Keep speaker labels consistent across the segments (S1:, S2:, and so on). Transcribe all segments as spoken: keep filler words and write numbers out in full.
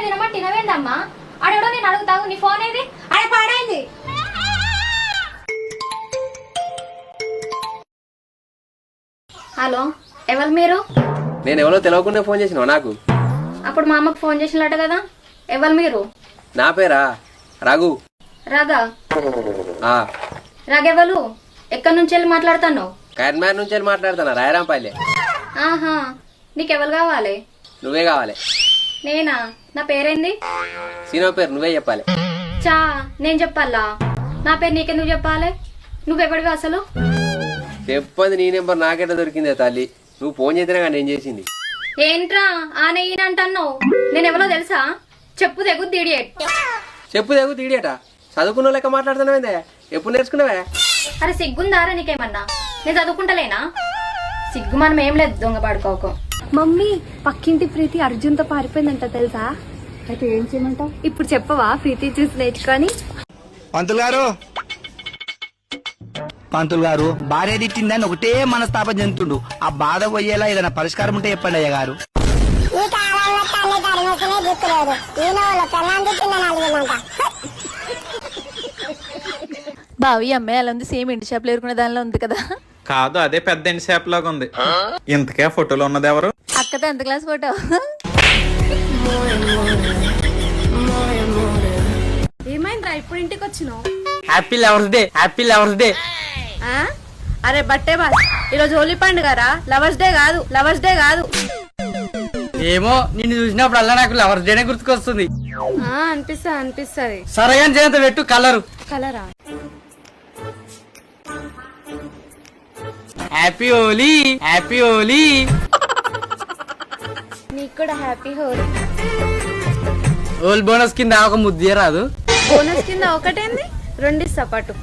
S1: తినమంటే తినవేందమ్మా? ఆడెవడో నేను అడుగుతావు, నీ ఫోన్ ఏది? ఆడ పాడైంది. హలో, ఎవరు మీరు?
S2: నేను ఎవరో తెలియకుండా ఫోన్ చేసినావు నాకు.
S1: అప్పుడు మా అమ్మకు ఫోన్ చేసినట్టు కదా, ఎవరు మీరు?
S2: నా పేరా రఘు.
S1: రాగా
S2: ఆ
S1: రాగెవరు? ఎక్కడి నుంచి వెళ్ళి మాట్లాడుతున్నావు?
S2: కరీంనగర్ నుంచి వెళ్ళి మాట్లాడుతున్నా, రాయరాంపల్లి.
S1: ఆహా, నీకెవరు కావాలి?
S2: నువ్వే కావాలి.
S1: నేనా? నా పేరేంది?
S2: సీనో పేరు నువ్వే చెప్పాలి.
S1: చా నేను చెప్పాలా? నా పేరు నీకెందుకు చెప్పాలి? నువ్వెవడివి అసలు?
S2: చెప్పంది నీ నెంబర్ నాకెట్లా దొరికిందే తల్లి? నువ్వు ఫోన్ చేసినా కానీ నేను చేసింది.
S1: ఏంట్రా ఆనే ఈయనంటున్నావు? నేను ఎవరో తెలుసా? చెప్పు తెగు తీడియట్.
S2: చెప్పు తెగు తీడియట? చదువుకున్న లెక్క మాట్లాడుతున్నావేందే? ఎప్పుడు నేర్చుకున్నావే?
S1: అరే సిగ్గుందారా నీకేమన్నా? నేను చదువుకుంటలేనా? సిగ్గు మనం ఏం లేదు, దొంగ పడుకోకు.
S3: మమ్మీ, పక్కింటి ప్రీతి అర్జున్ తో పారిపోయిందంట తెలుసా? అయితే ఏం చేయమంటావు? ఇప్పుడు చెప్పవా ప్రీతి చూసి నేర్చుకొని?
S4: పంతులు గారు పంతులు గారు భార్య తిట్టిందని ఒకటే మనస్తాపం చెందుతుండు. ఆ బాధ పోయేలా ఏదైనా పరిష్కారం ఉంటే చెప్పండి అయ్య గారు.
S3: బావి అమ్మాయి అలా ఉంది, సేమ్ ఇంటి షాప్ లో ఎరుకునే దానిలో ఉంది కదా?
S5: కాదు, అదే పెద్ద ఎండి షాప్ లాగా ఉంది. ఇంతకే ఫోటోలో ఉన్నది ఎవరు?
S3: అక్క టెన్త్ క్లాస్ ఫోటో. ఏమైందిరా ఇప్పుడు ఇంటికి వచ్చినావు?
S6: Happy lovers day, happy lovers day.
S3: అరే బట్టే బాస్, ఈరోజు హోలీ పండుగరా, లవర్స్ డే కాదు, లవర్స్ డే కాదు.
S6: ఏమో, నిన్ను చూసినప్పుడల్లా నాకు లవర్స్ డేనే గుర్తుకొస్తుంది.
S3: అనిపిస్తా అనిపిస్తుంది.
S6: సరగా చేత పెట్టు కలరు.
S3: కలరా?
S6: Happy Holi, happy Holi.
S3: నీకు కూడా హ్యాపీ హోలీ.
S6: హోల్ బోనస్ కింద ఒక ముద్దే రాదు?
S3: బోనస్ కింద ఒకటేంది, రెండు సపాటు.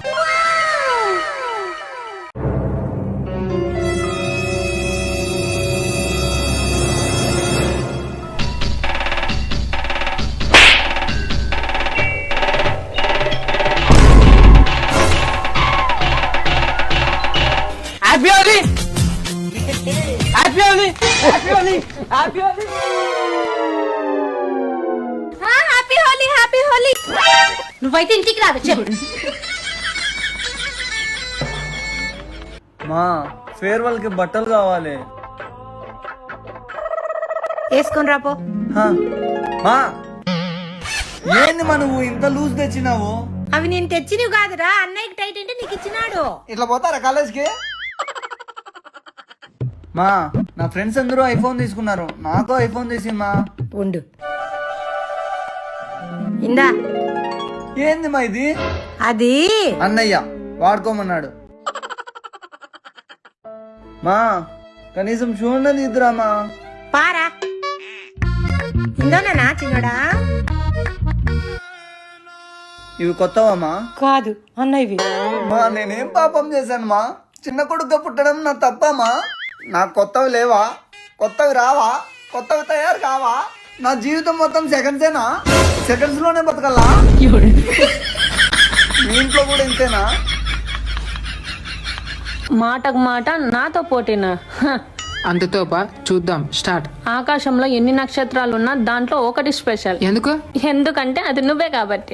S6: Happy Holi, happy Holi, happy Holi, happy Holi.
S3: Happy Holi, happy Holi.
S1: నువ్వైతే ఇంటికి రాదు, చెప్పు.
S7: మా ఫేర్వెల్ కి బట్టలు కావాలి.
S3: వేసుకొని రాపో.
S7: హా. మా ఏంది మా నువ్వు ఇంత లూజ్ తెచ్చినావు?
S3: అవి నేను తెచ్చినవి కాదురా, అన్నయ్యకి టైట్ అంటే నీకు ఇచ్చినాడు.
S7: ఇట్లా పోతారా కాలేజ్కి? మా నా ఫ్రెండ్స్ అందరూ ఐఫోన్ తీసుకున్నారు, నాకు ఐఫోన్ తీసి మా.
S3: ఉండు. ఇందా.
S7: ఏంది మా ఇది?
S3: అది
S7: అన్నయ్య వాడుకోమన్నాడు. మా కనీసం చూడలేదు ఇద్దరా మా.
S3: పారా. ఇందోనా చిన్నడా?
S7: ఇవి కొత్తవా మా?
S3: కాదు అన్నయ్యవి.
S7: మా నేనేం పాపం చేశాను మా? చిన్న కొడుకుగా పుట్టడం నా తప్పమా? నాకు కొత్తవి లేవా? కొత్తవి రావా? కొత్తవి తయారు కావా? నా జీవితం మొత్తం సెకండ్సేనా? సెకండ్స్ లోనే బతకల్లా? మీ ఇంట్లో కూడా ఇంతేనా?
S8: మాటకు మాట నాతో పోటీనా?
S9: అంతతోపా చూద్దాం, స్టార్ట్.
S8: ఆకాశంలో ఎన్ని నక్షత్రాలున్నా దాంట్లో ఒకటి స్పెషల్.
S9: ఎందుకు?
S8: ఎందుకంటే అది నువ్వే కాబట్టి.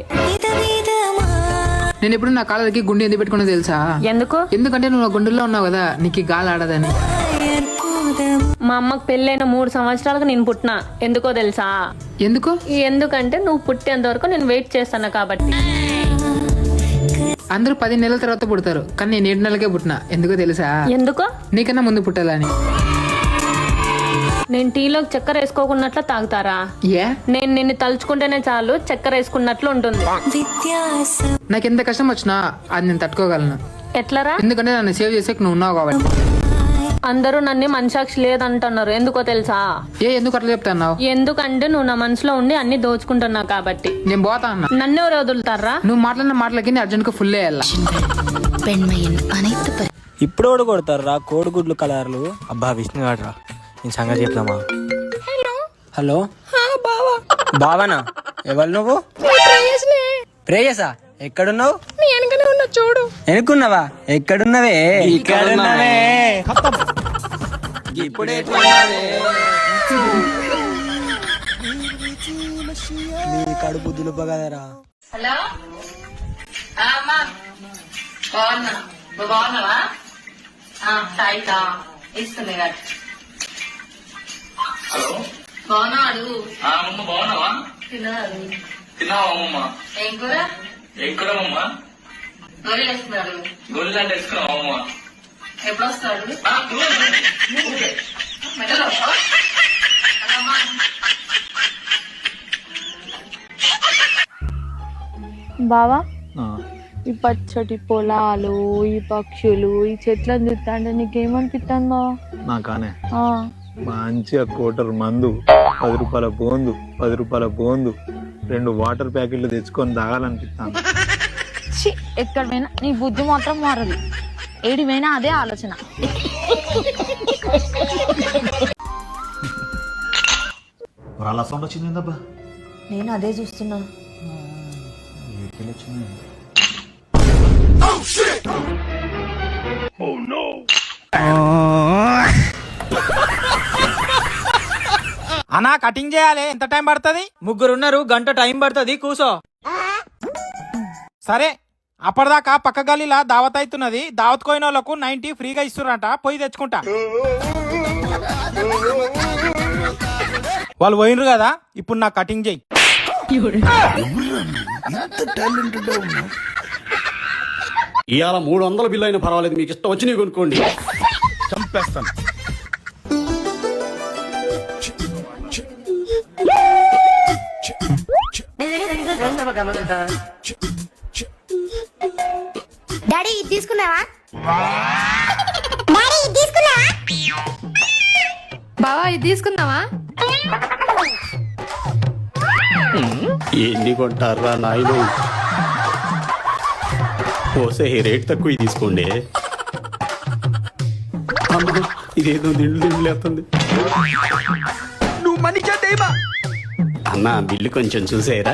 S9: నేను ఇప్పుడు నా కాళ్ళకి గుండె ఎందుకు పెట్టుకున్నా తెలుసా?
S8: ఎందుకు?
S9: ఎందుకంటే నువ్వు గుండెల్లో ఉన్నావు కదా, నీకు గాలి ఆడదని.
S8: మా అమ్మకు పెళ్ళైన మూడు సంవత్సరాలకు నేను పుట్టినా. ఎందుకో తెలుసా?
S9: ఎందుకు?
S8: ఎందుకంటే నువ్వు పుట్టేంత వరకు నేను వెయిట్ చేస్తాను కాబట్టి.
S9: అందరూ పది నెలల తర్వాత పుడతారు, కానీ నేను ఏడు నెలలకే పుట్టినా. ఎందుకో తెలుసా?
S8: ఎందుకో?
S9: నీకన్నా ముందు పుట్టాలని.
S8: నేను టీలోకి చక్కెర వేసుకోకున్నట్లు తాగుతారా?
S9: ఏ?
S8: నేను నిన్ను తలుచుకుంటేనే చాలు చక్కెర వేసుకున్నట్లు ఉంటుంది.
S9: నాకు ఎంత కష్టం వచ్చినా అది నేను తట్టుకోగలను.
S8: ఎట్లరా?
S9: ఎందుకంటే నన్ను సేవ్ చేసే నువ్వు ఉన్నావు కాబట్టి.
S8: అందరూ నన్ను మనసాక్షి లేదంటున్నారు. ఎందుకో తెలుసా?
S9: ఏ ఎందుకు అట్లా చెప్తాన్నావు?
S8: ఎందుకంటే నువ్వు నా మనసులో ఉండి అన్ని దోచుకుంటున్నావు కాబట్టి.
S9: నేను పోతా అన్నా.
S8: నన్ను ఎవరు వదులుతారా?
S9: నువ్వు మాట్లాడిన మాటలకి అర్జున్ కు ఫుల్ వేయాల.
S10: ఇప్పుడు కూడా కొడతారు రా కోడిగుడ్లు కలర్లు. అబ్బా విష్ణుగాడు రా, నేను సంగతి చెప్తామా. హలో బావనా? ఎవరు నువ్వు? ప్రేయసా? ఎక్కడున్నావు?
S3: చూడు.
S10: ఎనుకున్నావా? ఎక్కడున్నావే? ఇక్కడున్నావే. ఇప్పుడే నీ కడుపు దులుపగదరా.
S8: హలో అమ్మా బాగున్నా నువ్వు బాగున్నావా సాయితా ఇస్తుంది గారు బాగున్నా అడుగు
S6: బాగున్నావా
S8: తిన్నాడు
S6: తిన్నావా అమ్మమ్మ?
S8: ఏం కూర
S6: ఏం కూర అమ్మమ్మ?
S8: గోళీలు వేస్తున్నాడు
S6: గొల్లు అంటే వేసుకున్నావా అమ్మమ్మ?
S8: ఎప్పుడు వస్తాడు మెడలో
S3: బావా ఈ పచ్చటి పొలాలు ఈ పక్షులు ఈ చెట్లను చూస్తా అంటే నీకేమనిపిస్తాను బావా?
S5: నాకానే
S3: ఆ,
S5: మంచిగా కోటర్ మందు, పది రూపాయల బోందు, పది రూపాయల బోందు, రెండు వాటర్ ప్యాకెట్లు తెచ్చుకొని తాగాలనిపిస్తాను.
S3: ఛీ, ఎక్కడ పోయినా నీ బుద్ధి మాత్రం మారదు. ఏడి పోయినా అదే ఆలోచన.
S10: వాళ్ళ సౌండ్ వచ్చింది ఏందబ్బా?
S8: నేను అదే చూస్తున్నా
S10: అన్నా కటింగ్ చేయాలి, ఎంత టైం పడుతుంది? ముగ్గురున్నారు, గంట టైం పడుతుంది, కూసో. సరే, అప్పటిదాకా పక్క గల్లీలా దావత్ అవుతున్నది. దావత్ కోయిన వాళ్ళకు నైన్టీ ఫ్రీగా ఇస్తురంట, పోయి తెచ్చుకుంటా. వాళ్ళు పోయినరు కదా, ఇప్పుడు నా కటింగ్ చేయి.
S6: ఇవాళ మూడు వందల బిల్లు అయినా పర్వాలేదు, మీకు ఇష్టం వచ్చి నీకు కొనుక్కోండి.
S10: చంపేస్తాను.
S1: డాడీ ఇది తీసుకున్నావా? డాడీ ఇది తీసుకున్నావా?
S3: బావా ఇది తీసుకుందామా?
S6: ఎన్ని కొంటారా నాయన? పోసే రేట్ తక్కువ తీసుకోండి. అమ్మో, ఇదేదో దిండు దిండులేస్తుంది.
S10: నువ్వు మనిషా దేవా?
S6: అన్న బిల్లు కొంచెం చూసేరా.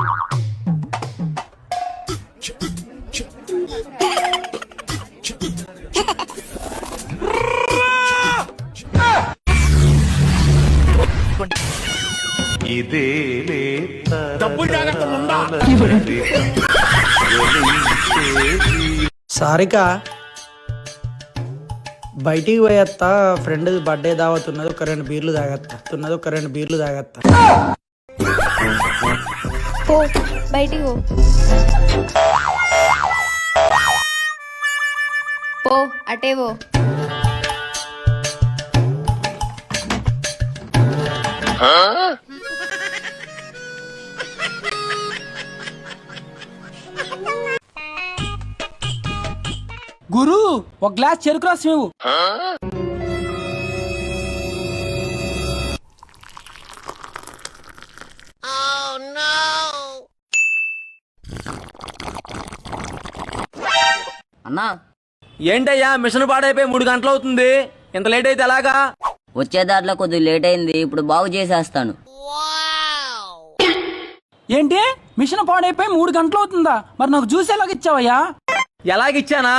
S10: సారిక బయటికి పోయేస్తా, ఫ్రెండ్ బర్త్డే దావత్ ఉన్నది, ఒక రెండు బీర్లు తాగత్తా ఉన్నది ఒక రెండు బీర్లు తాగత్తా.
S3: పో బయటికి పో. పో అటే పో.
S10: గురు, ఒక గ్లాస్ చెరుకు రసం ఇవ్వు.
S6: అన్నా ఏంటయ్యా మిషన్ పాడైపోయి మూడు గంటలు అవుతుంది, ఇంత లేట్ అయితే ఎలాగా?
S8: వచ్చే దాంట్లో కొద్దిగా లేట్ అయింది, ఇప్పుడు బాగు చేసేస్తాను.
S10: ఏంటి మిషన్ పాడైపోయి మూడు గంటలు అవుతుందా? మరి నాకు జ్యూస్ ఎలాగ ఇచ్చావయ్యా?
S6: ఎలాగిచ్చానా?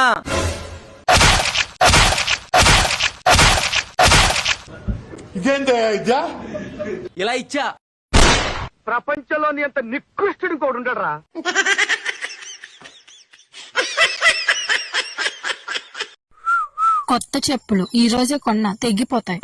S6: ఇలా ఇచ్చా. ప్రపంచంలోని అంత నికృష్టుడు కూడా ఉండడరా.
S3: కొత్త చెప్పులు ఈ రోజే కొన్నా, తెగిపోతాయి.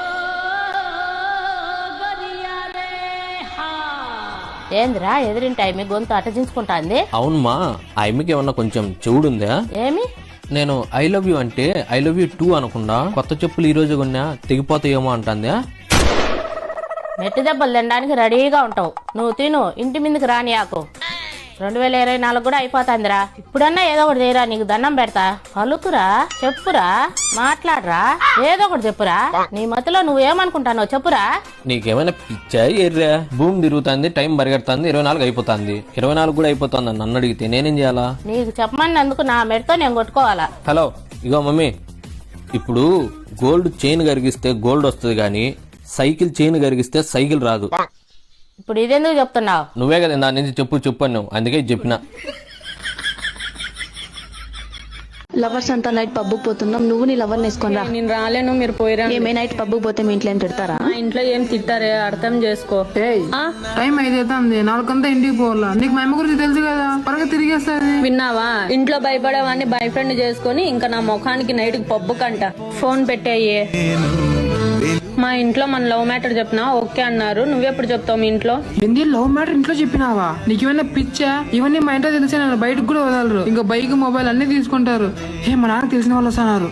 S8: ఏంద్రా ఎదురింటి ఆమె గొంతు అటజించుకుంటాంది?
S6: అవునమ్మా, ఆ అమ్మకి ఏమన్నా కొంచెం చెవుడుందా?
S8: ఏమి?
S6: నేను ఐ లవ్ యూ అంటే ఐ లవ్ యూ టూ అనకుండా కొత్త చెప్పులు ఈ రోజు కొన్నా తెగిపోతాయేమో అంటుందా?
S8: మెట్టి దెబ్బలు తినడానికి రెడీగా ఉంటావు, నువ్వు తిను, ఇంటి మీదకి రానియాకు. రెండు వేల ఇరవై నాలుగు కూడా అయిపోతాందిరా, ఇప్పుడన్నా ఏదో ఒకటి చేయరా, నీకు దండం పెడతా. పలుకురా, చెప్పురా, మాట్లాడరా, ఏదో ఒకటి చెప్పురా. నీ మతిలో నువ్వేమనుకుంటానో చెప్పురా.
S6: నీకేమైనా పిచ్చా ఎర్రా? భూమి తిరుగుతుంది, టైం పరిగెడుతుంది, ఇరవై నాలుగు అయిపోతుంది, ఇరవై నాలుగు కూడా అయిపోతుంది. నన్ను అడిగితే నేనేం చేయాలా?
S8: నీకు చెప్పమన్నందుకు నా మెడతో నేను కొట్టుకోవాలా?
S6: హలో, ఇగో మమ్మీ, ఇప్పుడు గోల్డ్ చైన్ కరిగిస్తే గోల్డ్ వస్తుంది కానీ సైకిల్ చైన్ కరిగిస్తే సైకిల్ రాదు.
S8: ఇప్పుడు ఇదెందుకు చెప్తున్నావు?
S6: నువ్వే కదా దాని నుంచి చెప్పు చెప్పు నువ్వు, అందుకే చెప్పిన.
S3: లవర్స్ అంతా నైట్ పబ్బుకి పోతున్నాం, నువ్వు నీ లవర్ వేసుకొని రా.
S11: నేను రాలేను, మీరు పోయిరా.
S3: ఏమే నైట్ పబ్బుకి పోతే మీ ఇంట్లో ఏం తిడతారా?
S11: మా ఇంట్లో ఏం తిట్టారే, అర్థం చేసుకో.
S9: టైం ఐదైతుంది, నాలుగంతా ఇంటికి పోవాలా. నీకు మా అమ్మ గురించి తెలుసు కదా, త్వరగా తిరిగేస్తుంది.
S11: విన్నావా? ఇంట్లో భయపడేవాడిని బాయ్ ఫ్రెండ్ చేసుకొని ఇంకా నా ముఖానికి నైట్ పబ్బు కంట. ఫోన్ పెట్టేయే. మా ఇంట్లో మన లవ్ మ్యాటర్ చెప్పినా ఓకే అన్నారు. నువ్వెప్పుడు చెప్తావు మీ ఇంట్లో?
S9: ఏంది లవ్ మ్యాటర్ ఇంట్లో చెప్పినావా? నీకు ఏమైనా పిచ్చా? ఇవన్నీ మా ఇంట్లో తెలిసే నన్ను బయటకు కూడా వదలరు. ఇంకా బైక్ మొబైల్ అన్ని తీసుకుంటారు. ఏ మా నాన్న తెలిసిన వాళ్ళు వస్తున్నారు.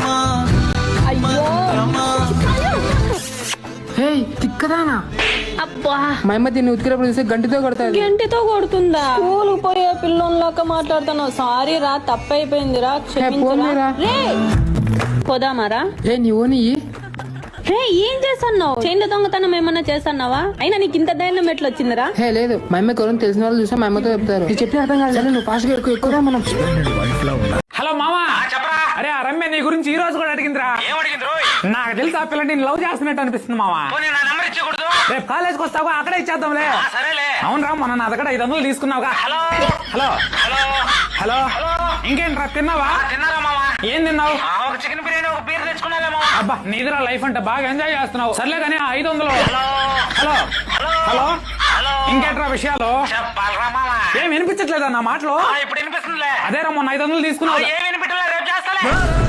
S9: హే తిక్కదానా,
S11: అబ్బా
S9: మా అమ్మ దీన్ని ఉతికినప్పుడు చూస్తే గంటితో కొడతాది.
S11: గంటితో కొడుతుందా? స్కూల్ పోయే పిల్లోన్లాగా మాట్లాడుతున్నావు. సారీ రా, తప్పైపోయిందిరా, క్షమించురా. రే పోదామారా?
S9: ఏ నీ ఓని
S11: రే ఏం చేస్తున్నావు? చైన్ల దొంగతనం ఏమన్నా చేస్తున్నావా? అయినా నీకు ఇంత ధైర్యం ఎట్లా వచ్చిందిరా?
S9: హే లేదు, మా అమ్మ ఎవరైనా తెలిసిన వాళ్ళు చూస్తే మా అమ్మతో చెప్తారు. నీకు చెప్పిన అర్థం కాదు, నువ్వు ఫాస్ట్ గా ఎక్కువ ఎక్కువ మనం.
S10: హలో మామా, చెప్పరా. అరే ఆ రమ్య నీ గురించి ఈ రోజు కూడా అడిగిందిరా. ఏం అడిగింది? నాకు తెలిసి ఆ పిల్ల నేను లవ్ చేస్తున్నట్టు అనిపిస్తుంది మామా. రేపు కాలేజ్కి వస్తావా? అక్కడే ఇచ్చేద్దాంలే. అవునరా, మొన్న నా దగ్గర ఐదు వందలు తీసుకున్నావుగా. హలో హలో హలో ఇంకేంట్రా, తిన్నావా? ఏం తిన్నావు? చికెన్ బిర్యానీ, ఒక బీర్ తెచ్చుకున్నావేమో. అబ్బా నీదిరా లైఫ్ అంటే, బాగా ఎంజాయ్ చేస్తున్నావు. సర్లే కానీ ఐదు వందలు. హలో హలో ఇంకేంట్రా విషయాలు? ఏం వినిపించట్లేదా నా మాటలు? ఇప్పుడు వినిపిస్తుంది. అదే రా, మొన్న ఐదు వందలు తీసుకున్నావు. ఏం వినిపించలే, రేపు చేస్తాలే.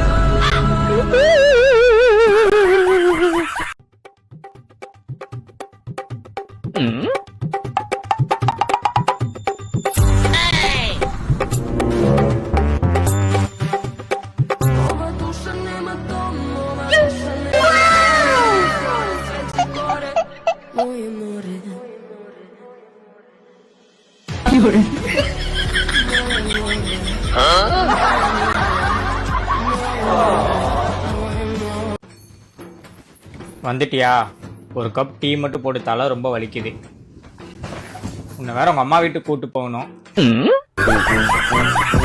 S12: வந்துட்டியா? ஒரு கப் டீ மட்டும் போட்டு, தலை ரொம்ப வலிக்குது. உன்னை வேற உங்க அம்மா வீட்டுக்கு கூட்டு போகணும்.